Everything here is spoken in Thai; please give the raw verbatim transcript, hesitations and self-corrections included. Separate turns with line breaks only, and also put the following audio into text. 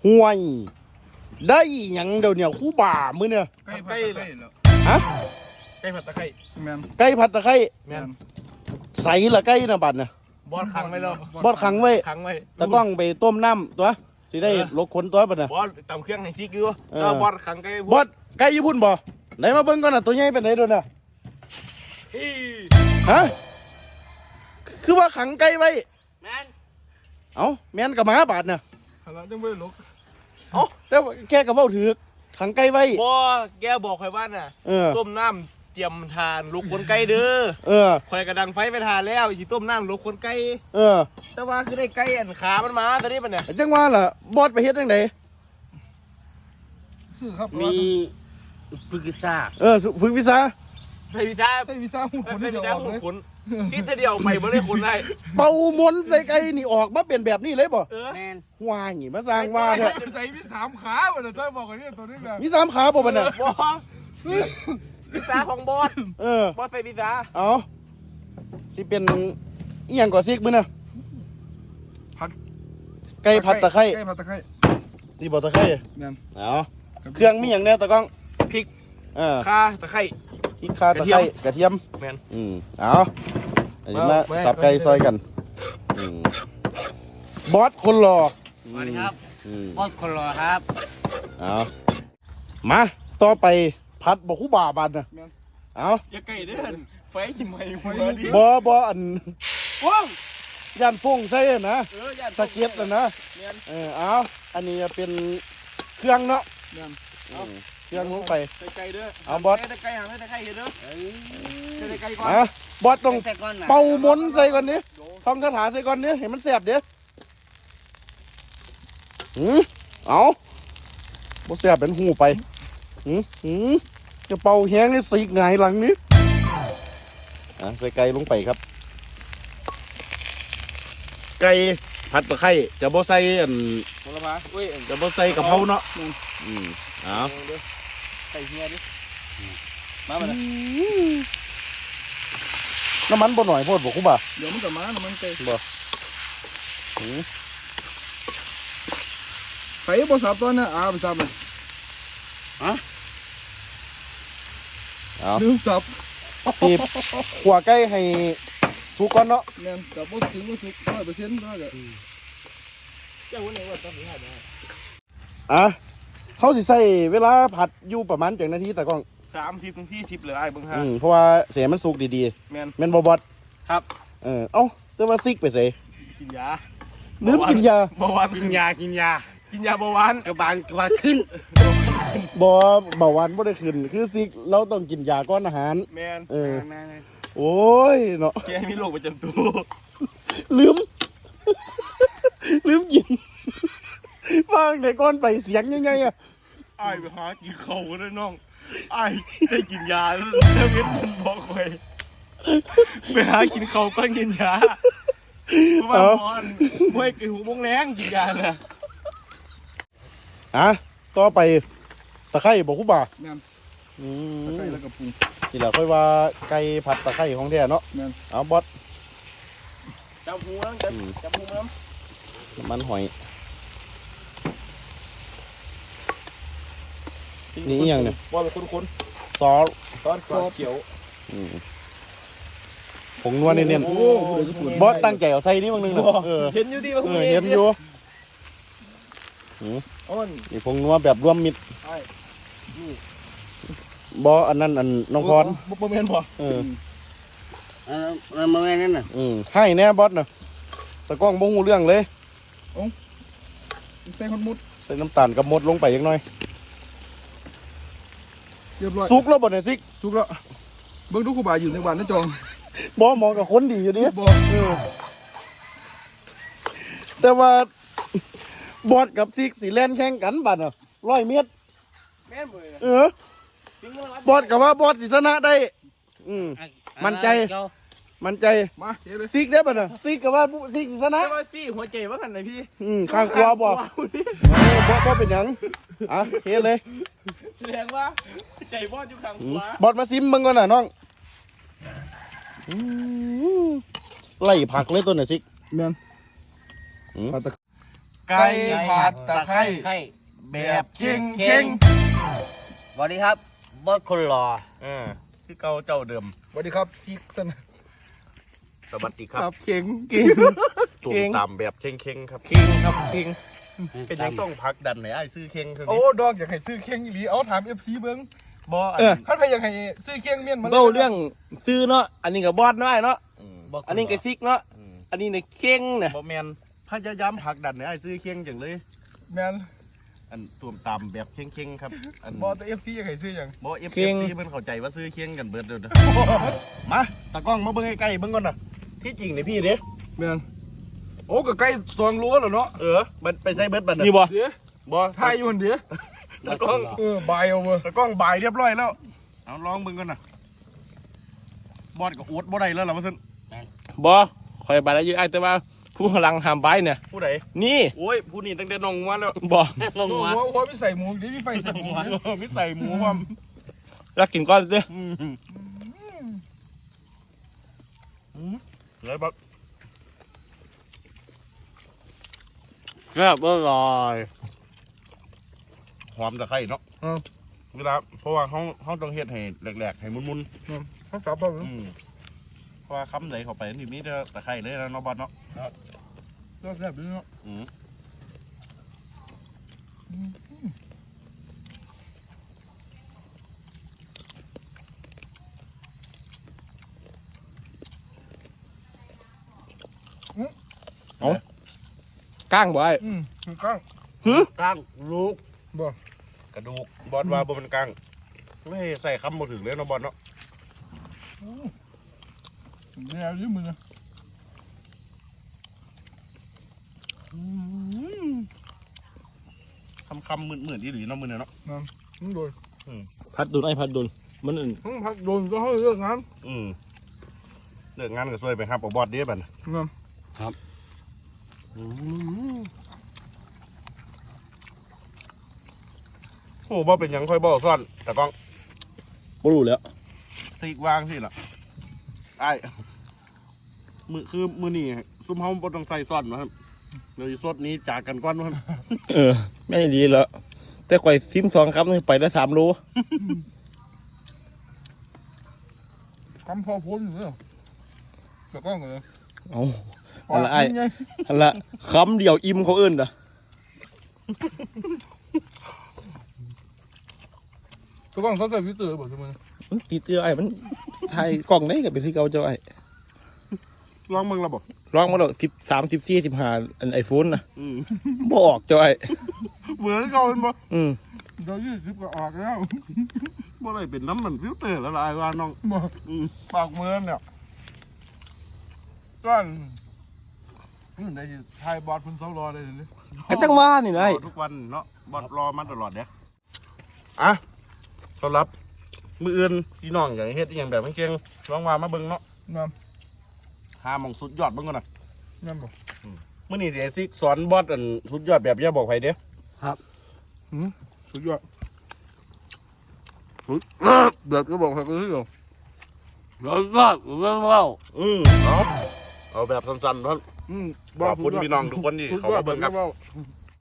ห่วยได้หยังเดี๋ยวเนี่ยคู่บ่ามือเนี่ย
ไก่ไก่แล้ว
ฮะ
ไก่ผัดตะไคร้แมน
ไก่ผัดตะไคร้
แมน
ใส่ละไก่นะบัดเนี่ย
บอสขังไว้แล้ว
บอดขังไว้
ขังไว้
ตะก้องไปต้มน้ำตัวสิได้ลกขนตัวบัดเนี่ย
บอสตำเครื่องให้ซิกอยู่
เออ
แล้วบอสขังไก่
บอดไก่ญี่ปุ่นบ่ไหนมาเบิ่งก่อนน่ะตัวใหญ่เป็นไหนด้วยน่ะ
อี
ฮะคือว่าขังไก่ไว้
แมน
เอ้าแม่นกับหมาบาดเนี่ย
หันหลังจังไม่ลุก
แล้วแกกับเว้าถือขังไก่ไว้
บอสแกบอกใครบ้านน่ะ
เออ
ต้มน้ำเตรียมทานลูกคนไก่เด้อ
เออ
คอยกระดังไฟไปทานแล้วอีต้มน้ำลูกคนไก่
เออ
แต่ว่าคือได้ไก่อันขามันมาตอนนี้มันเนี่ย
จังว่าล่ะบอดไปเฮ็ดจังได
ซื้อครับ
มีฝึกซ่า
เออฝึกวิชา
ใส่พิซซ่า
ใส่วีซ่าหูคน
ใส่
เดี
พิ
ย
ซ
ว
ซ่า
ออกเลย
ขนซีดเดียวไปบ่ได้ขนได้
เป่ามนต์ใส่ไก่นี่ออกมาเป็นแบบนี้เลยบ่
เออ
แมน
ว่าหงีมาสร้างว่าเถอะ
ใส่มีสามขาวันนี้จ้อยบอกกันนี่ตัวนี้นะ
มีสามขาบ่บัดน่ะ
บอสพิซซ่าของบอส
เออบ
อสใส่พิซซ่า
เอาสิเป็นอีหยังก่อซิกมื้อน่ะ
ผัด
ไก่ผัดตะไคร้
ไก่ผัดตะไคร้
ที่บ่ตะไคร้
แม่น
เอาเครื่องมีหยังแน่ตะก้อง
พริก
เออ
ข่าตะไคร้
พริกข่าตะไคร้กระเทียม
แมน
อืมเอาอันนี้มา
มา
สับไก่ซอยกันอืมบอสคนหล่อ
สวัสดีครับ
อืม
บอสคนรอครับ
เอามาต่อไปผัดบ่คู่บ่าบัดน่ะเอา
อย่าไก่เด้อไฟกินไหมหัวดิ
บ่บ่อัน
ว้าว
ย่านฟงใส่นะ
เออย่าน
สะเก็ดน่ะนะ
แมน
เออเอาอันนี้จะเป็นเครื่องเนาะ
แม่น
อืมเครื่องลงไป
ใส่ไก่เด้อ
เอาบอส
ใส่ไก่หาใส่ไก่เด้อใส่ไก่ก่อน
อ่ะบอสต้อง
ใส่ก้อนน่ะ
เป่ามนต์ใส่ก่อนนี้ท่องคาถาใส่ก่อนนี้เห็นมันแสบเด้อหืมเอาบ่แสบเป็นหูไปหืมหืมจะเป่าแห้งนี่สีกหงายหลังนี้อ่ะใส่ไก่ลงไปครับ ไก่ผัดตะไคร้จะบ่ใส่อัน
ผลไม้อุ้ย
จะบ่ใส่กะเพราเนาะอืมเอา
ใส่เฮียดิ
มาไปเลย
น้ำมันบ่หน่อยโพดบ่คุ้บ่า
เดี๋ยวมันจะมาน้ำมันไก่
บ่หืม
ไก่บอสับตัวน่ะอ่าไปสับเลย
เอา
ลืมสับ
สิขัวไก่ให้สุกก่อนเนาะ
แม่นกับบอสถึงบอสถึงร้อยเปอร์เซ็นต์ได้เลย
เจ้าวันไหนว่าต้องมีให้ได้
อ่ะเขาสิใส่เวลาผัดอยู่ประมาณจักนาทีแต่กล้อง
สามสิบถึงสี่สิบเลยไอ้เบิ้งฮะ
อืมเพราะว่าเสียมันสุกดี
แมน
ๆแม่นบ่บอด
ครับ
เออเอ้าแต่ว่าซิกไปใส่
กินยา
ลืมกินยา
เบาหวาน
กินยากินยา
กินยาเบาหวาน
กระบาลกระบาลขึ้น
บ่เบาหวานบ่ได้ขึ้นคือซิกเราต้องกินยาก่อนอาหาร
แมน
เออ
มาเลย
โอ้ยเนาะ
แกมีโรคประจำตัว
ลืม ลืมกินว่างไหนก่อนไปเสียงยังไงอะ
ไอ้ไปหากินเขาเลยน้องไอ้ได้กินยาแล้วแล้วเว้นมันบอกคอยไปหากินเขาก็กินยาเพราะว่าพอนมวยกินหูมงแรงกินยาน่ะ
อ่ะต่อไปตะไคร้บ่คุบ่า
แม่น
อื
ตะ
ม
ไคร้แล้วก็ปรุง
นี่แหละค่อยว่าไก่ผัดตะไคร้ของแท้เนาะ
แม่น
เอาบอส
จับหูน้ำจับจับหูน้
น้ำมันหอย
ำ
นี่อีหยังเนี่ย
ว่าเป็นคุ้น
ซอส
ๆตอนซอสเขียว
อืมผงนัวเนียน
โอ้โหเดี๋ยวจะปวด
ๆบอสตั้งใจเอาใส่นี่บางนึงนะเออ
เห็นอยู่ดีว่า
เออเห็นอยู่
อ้น
นี่ผงนัวแบบรวมมิตร
ไอ้
บออันนั้นอันน้องพร
บุปเมนบ่
เออ
เออมันมาแม่นั่นน่ะ
อืมให้แน่บอสนะตะกล้องบ่ฮู้เรื่องเลย
ใส่คนมุด
ใส่น้ำตาลกับมดลงไปอีกหน่อย
เรียบร้อย
สุกแล้วบ่เนี่ยซิก
สุกแล้วเบิ่งดูครูบาอยู่ในบ้านนั่นจอง
บอมองกับคนดีอยู่ดิ
บ่
เออแต่ว่าบอสกับซิกสีแล่นแข่งกันบัดน่ะร้อยเมตร
แม่นเลย
เออ บอสกับว่าบอสสิชนะได้ อืม มั่นใจ มันใจ
มาเฮ้ยเลย
ซิกได้ป่ะน่ะซิกกับว่าซิกสิชนะ
แต่ว่าซี่หัวใจว่ากันไหนพี่
อืมข้างขวาบ่เออบอสบอสเป็นหยังอ่ะเฮ็ดเลย
แสดงว่าใจบอดอยู่ข้าง
อื
ข
ม
วา
บอสมาซิมมึงก่อนน่ะน้องอืมไล่ผักเลยตัวน่ะซิก
แม่น
อืม
ผัดตะ
ไก่
ผัดตะไคร้
ไข่
แบบเข่ง
เข่งสวัสดีครับบอสคนหล่อ
เออที่เก่าเจ้าเดิม
สวัสดีครับซิกสนะ
สวัสดีค
ค
รั
รั
บบ
เข่ง
เก่ง
ตุ่ม
เข่ง
ตำแบบเข่งเข่งๆครับ
เก่งครับเก่ง
เป็นยังต้องพักดันไหนไอ้ซื้อเข่งคือ
โอ้ดอกอยากให้ซื้อเข่งอีหลีเอาถาม เอฟ ซี เบิ่ง
บ่อัน
เออ
คันใครอยากให้ซื้อเข่งเมียนมาลย
เบ้าเรื่องซื้อเนาะอันนี้กับบอสเนาะไอ้เนาะ
ม
บอสค
อันนี้
หล่
กับซิกเนาะ
อืม
อันนี้ในเข่งเนี่ย
บ่แมนพยายามพักดันไหนไอ้ซื้อเข่งจังเลย
แม่น
อันตุ่มตำแบบเข่งเข่งๆครับอัน
บอแต่ เอฟ ซี อยากให้ซื้อหยัง
บ่เอฟเอฟซีเพิ่นเข้าใจว่าซื้อเข่งกันเบิดเด้อ มาตากล้องมาเบิ่งใกล้ๆเบิ่งก่อนน่ะที่จริงนี่พี่เด้
แม่นโอ้ก็ใกล้สองรั้วแล้วเนาะ
เออเบิดไปใส่เบิดบัดน่ะ
นี่บ่
เดี๋ยว
บ่
ทายอยู่หั่นเดี๋ยว
ตากล้อง
เออบายเอาเว้ย
ตากล้องบ่ายเรียบร้อยแล้วเอาลองเบิ่งก่อนน่ะบอดก็อดบ่ได้แล้วล่ะว่าซั่น
บอคอยไปแล้วอยู่ไอ้แต่ว่าผู้กำลังหามไปเนี่ย
ผู้ใด
นี่
โอ้ยผู้นี้ตั้งแต่น้องมาแล้ว
บอ
ลง
หัว
มา
หัวมีใส่หมูเดี๋ยวมีไฟใส่หมูเดี๋ยว
มิใส่หมูความ
รักกินก้อนเด้อ
อืมอืมเลยบัก
ครับอร่อย
หอมตะไคร้เนาะ
อืม
เวลาเพราะว่าเขาเขาต้องเฮ็ดให้แหลกๆให้มุน
เขาสับเอา
ๆอืมเพราะว่าคำไหนเข้าไปนี่มีแต่ตะไคร้เลยนะเนาะบอสเนาะ
ก็แซ่บดีเนาะ
อืม
ก้างบ่ไอ้
อืมข้าง
กลางลูก
บ่
กระดูกบอสว่าบ่เป็นกลางไม่ให้ใส่คำบ่ถึงเลยเนาะบอสเนาะ
เดี๋ยวยืมมือนะ
คำคำๆมืดๆอีหลีเนาะมือเนี่ยเนาะ
มึงโดน
พัดดุนไอ้พัดดุนมันอื่น
มึงพักโดนก็ให้เลิกงาน
อืมเลิกงานก็ช่วยไปครับเอาบอสเด้บัดน่ะ
งาม
โอ้บ่เป็นหยังค่อยบ่ซ่อนแต่กล้อง
บ่รู้แล้ว
ซีกวางสิล่ะไอ้มือคือมือนี่ซุ่มเฮาบ่ต้องใส่ซ่อนนะครับเดี๋ยวสิสดนี้จากกันก่อนว่า
เออไม่ดีแล้วแต่ข่อยซิมทองครับนี่ไปได้สามโล
คำพอพ้นอยู่เนี่ยแต่ก็เหรอ
เอาอันละไอ้อันละคำเดียวอิ่มเขาเอิ้นอ่ะ
ก็ต้องเขาใส่พิเตอร์บอกใช่ไหม
มันติดเตื้อไอ้มันถ่ายกล่องได้กับเป็นที่เก่าเจ้าไอ้
ลองมึงละบ่
ลองมาดอกสิบสามสิบสี่สิบห้าอันไอโฟนนะ
อืม
บ่ออกเจ้าไอ้
เบื่อเก่าเป็นบ่
อืม
เดี๋ยวยี่สิบก็ออกแล้ว
บ่ได้เป็นน้ำมันฟิลเตอร์แล้วล่ะไอ้ว่าน้อง
บอก
อืม
ปากเมือนเนี่ยก้อนนี่ไหนจะทายบอดพุ่นเสารอได้เลย
กระจังว่านี่ไอ้
รอทุกวันเนาะบอดรอมาตลอดเด้ออ่ะต้อนรับมืออื่นพี่น้องอยากให้เฮ็ดอหย่างแบบเก่งๆลองว่ามาเบิ่งเนาะ
งาม
หาหม่องสุดยอดเบิ่งก่อนน่ะ
งามบอก
มื่อนี้สิไอซิกสอนบอสอันสุดยอดแบบอย่าบอกใครเด้อ
สุดยอดเดือดก็บอกใครก็ซื้อหรอ
ร้อนร้อนร้อนร้อน
อืมเอาเอาแบบสั้นๆเท่านั้น
อืม
ขอบคุณพี่น้องทุกคนที่เขามาเบิ่งครับ
สุดยอด